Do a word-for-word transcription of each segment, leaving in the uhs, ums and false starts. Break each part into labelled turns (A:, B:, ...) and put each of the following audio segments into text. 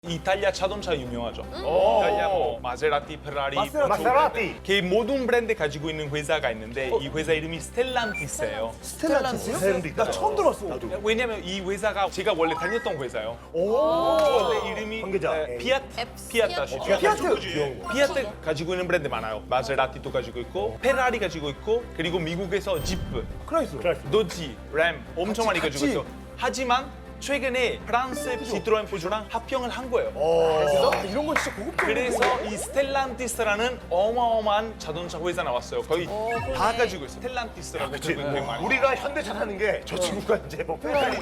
A: 이탈리아 자동차 유명하죠. 이탈리아 뭐 마세라티, 페라리,
B: 마세라티.
A: 그 모든 브랜드 가지고 있는 회사가 있는데 이 회사 이름이 스텔란티스예요.
B: 스텔란티스요? 스텔란티스. 나 처음 들었어.
A: 왜냐면 이 회사가 제가 원래 다녔던 회사예요.
B: 오.
A: 원래 이름이
B: 관계자.
A: 에, 피아트, 피아트 아시죠?
B: 피아트.
A: 피아트 가지고 있는 브랜드 많아요. 마세라티도 가지고 있고 페라리 가지고 있고 그리고 미국에서 지프,
B: 크라이스.
A: 도지, 램 엄청 많이 가지고
B: 같이.
A: 있어. 하지만 최근에 프랑스 시트로엔 푸주랑 합병을 한 거예요.
B: 그래서 이런 건 진짜 고급져.
A: 그래서 이 스텔란티스라는 어마어마한 자동차 회사 나왔어요. 거의 다 가지고 있어요. 스텔란티스라고 되게 많이.
B: 우리가 현대차 타는 게 저 친구가 이제 뭐 페라리.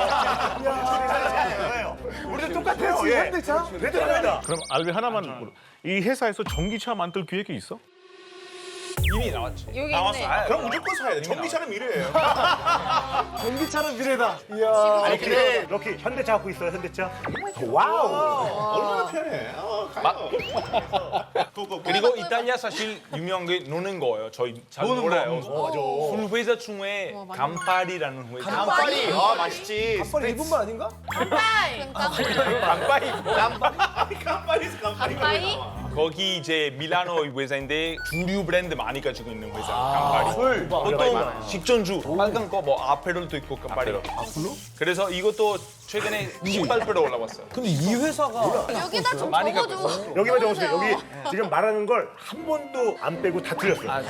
B: 우리도 똑같아요. 예. 현대차? 레드입니다.
C: 그럼 알베 하나만 물어. 이 회사에서 전기차 만들 기획이 있어?
A: 이미 나왔지.
D: 여기
A: 나왔어.
D: 있네.
A: 아,
C: 그럼 무조건 사야 돼. 전기차는 미래예요.
B: 전기차는 미래다. 이야. 아니 근데 럭키 현대차 갖고 있어요. 현대차. 와우.
C: 얼마나 편해. 어, 가요.
A: 그리고 이탈리아 사실 유명한 게 노는 거예요. 저희 잘 몰라요. 술 회사 중에 간파리라는 회사.
C: 간파리. 아 맛있지.
B: 빨리 일본말 아닌가?
D: 깜빡이.
A: 간파리.
C: 간파리스 간파리.
D: 깜빡이?
A: 거기 이제 밀라노 회사인데 주류 브랜드 많이 가지고 있는 회사. 간파리.
B: 술.
A: 보통 식전주 빨간 거 뭐 아페롤도 있고 간파리.
B: 아플로?
A: 그래서 이것도 최근에 십팔 배로 올라왔어요.
B: 근데 이 회사가
D: 여기다 좀
A: 많이
D: 적어줘.
A: 갖고
B: 여기만 적으세요. 여기 지금 말하는 걸 한 번도 안 빼고 다 틀렸어요. 아,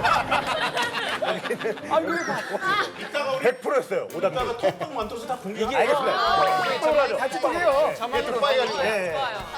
B: 백 퍼센트였어요. 오답.
C: 이따가 톡톡 만들어서 다 공개.
A: 이게
B: 알겠습니다. 같이 해요.
C: 빠이가
B: 네.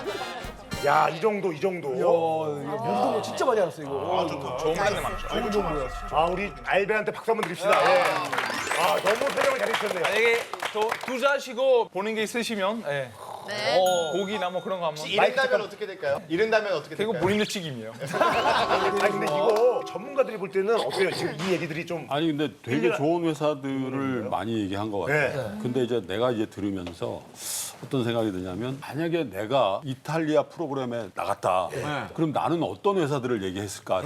B: 야, 이 정도, 이 정도.
E: 운동 진짜 많이 알았어 이거.
A: 좋은 브랜드 많죠.
B: 아, 우리 알베한테 박수 한번 드립시다. 예. 아, 너무 설명을 잘해주셨네요.
A: 만약에 또 투자하시고 보는 게 있으시면 예.
D: 네.
A: 고기나 뭐 그런 거 한번.
C: 이른다면 어떻게 될까요? 이른다면 어떻게
A: 그리고
C: 될까요?
A: 본인도 책임이에요.
B: 아니, 근데 이거 전문가들이 볼 때는 어때요? 지금 이 얘기들이 좀.
F: 아니 근데 되게 좋은 회사들을 많이 얘기한 것 같아요.
B: 네.
F: 근데 이제 내가 이제 들으면서 어떤 생각이 드냐면 만약에 내가 이탈리아 프로그램에 나갔다. 그럼 나는 어떤 회사들을 얘기했을까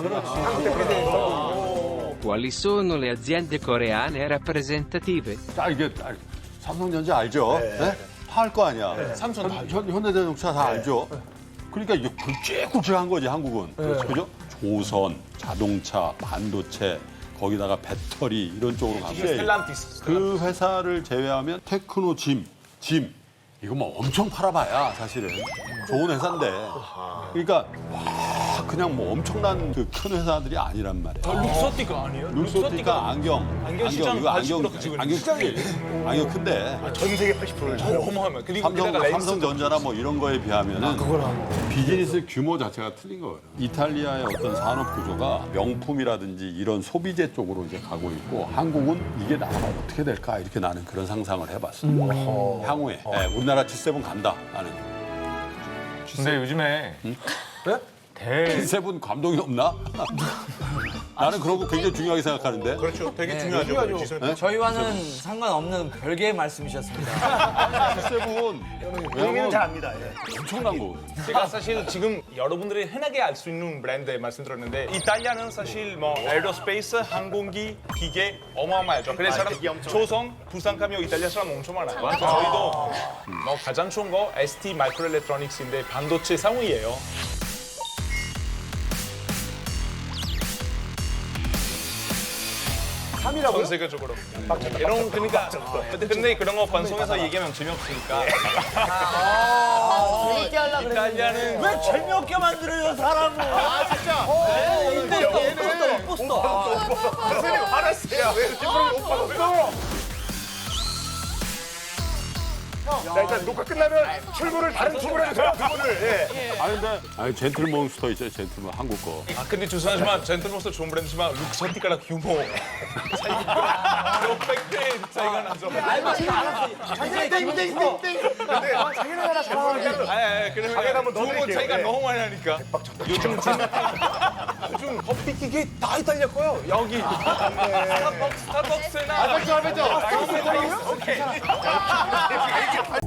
F: 생각해요.
G: Quali sono le aziende coreane rappresentative?
F: 자 이게 아, 삼성전자 알죠? 네? 다 알 거 아니야.
A: 삼성 다
F: 현, 현대자동차 다 알죠? 그러니까 이게 굵직굵직한 거지 한국은. 그죠? 조선, 자동차, 반도체, 거기다가 배터리 이런 쪽으로 가면
A: 스텔란티스.
F: 그 회사를 제외하면 테크노 짐, 짐 이거 뭐 엄청 팔아봐야 사실은 좋은 회사인데 그러니까 와 그냥 뭐 엄청난 그 큰 회사들이 아니란 말이야.
A: 룩소티가 아니에요?
F: 룩소티가 안경,
A: 안경 시장
F: 이거
A: 팔십
F: 안경
A: 퍼센트 가지고 있는
F: 안경 크기, 안경 큰데
B: 전 세계 팔십 퍼센트를
A: 어마어마해요. 그리고
F: 삼성,
A: 게다가 렌즈
F: 삼성전자나 뭐 이런 거에 비하면은 비즈니스 규모 자체가 틀린 거예요. 이탈리아의 어떤 산업 구조가 명품이라든지 이런 소비재 쪽으로 이제 가고 있고 한국은 이게 나라가 어떻게 될까 이렇게 나는 그런 상상을 해봤어요. 향후에 네, 우리나라 지 세븐 간다 나는.
H: 근데 요즘에
F: 지 세븐 감동이 없나? 나는 그런 거 굉장히 중요하게 생각하는데.
C: 그렇죠. 되게 중요하죠. 지선.
E: 저희와는 상관없는 별개의 말씀이셨습니다.
F: 지 세븐
B: 의미는 잘 압니다. 예.
F: 엄청난 거.
A: 제가 사실 지금 여러분들이 흔하게 알 수 있는 브랜드 말씀드렸는데 이탈리아는 사실 뭐 에어로스페이스, 항공기, 기계 어마어마하죠. 그래서 사람 조선, 부산 가면 이탈리아 사람 엄청 많아요. 저희도 뭐 가장 좋은 거 에스티 마이크로엘렉트로닉스인데 반도체 상위예요.
B: 삼이라고요?
A: 전 세계적으로. 이런 그러니까 근데 그런 거 방송에서 얘기하면 재미없으니까.
E: 재밌게 하려고 그랬는데.
A: 이탈리아는
E: 왜 재미없게 만들어요 사람을. 아 진짜. 이때 못 posто.
B: 선생님, 알았어요. 왜 이렇게 못 받았어? 자, 일단 녹화 끝나면 출근을 다른 출근을 해주세요, 두 분을. 예.
F: 아니 근데 아니 젠틀몬스터 있어요 젠틀몬 한국 거.
A: 아 근데 죄송하지만 젠틀몬스터 좋은 브랜드지만 룩소티카랑 규모 차이가 몇백 배 차이가 나죠.
B: 땡땡땡땡. 근데 자기네 나라 잘하는
A: 아니 아니 그러면
B: 가게를 한번
A: 규모
B: 넣어드릴게요.
A: 차이가
B: 네.
A: 너무 많이 나니까. 요즘 진- 요즘 커피 기계 다 이탈리아 거요. 여기 스타벅스 스타벅스나.
B: 알겠죠, 알겠죠.
A: 오케이.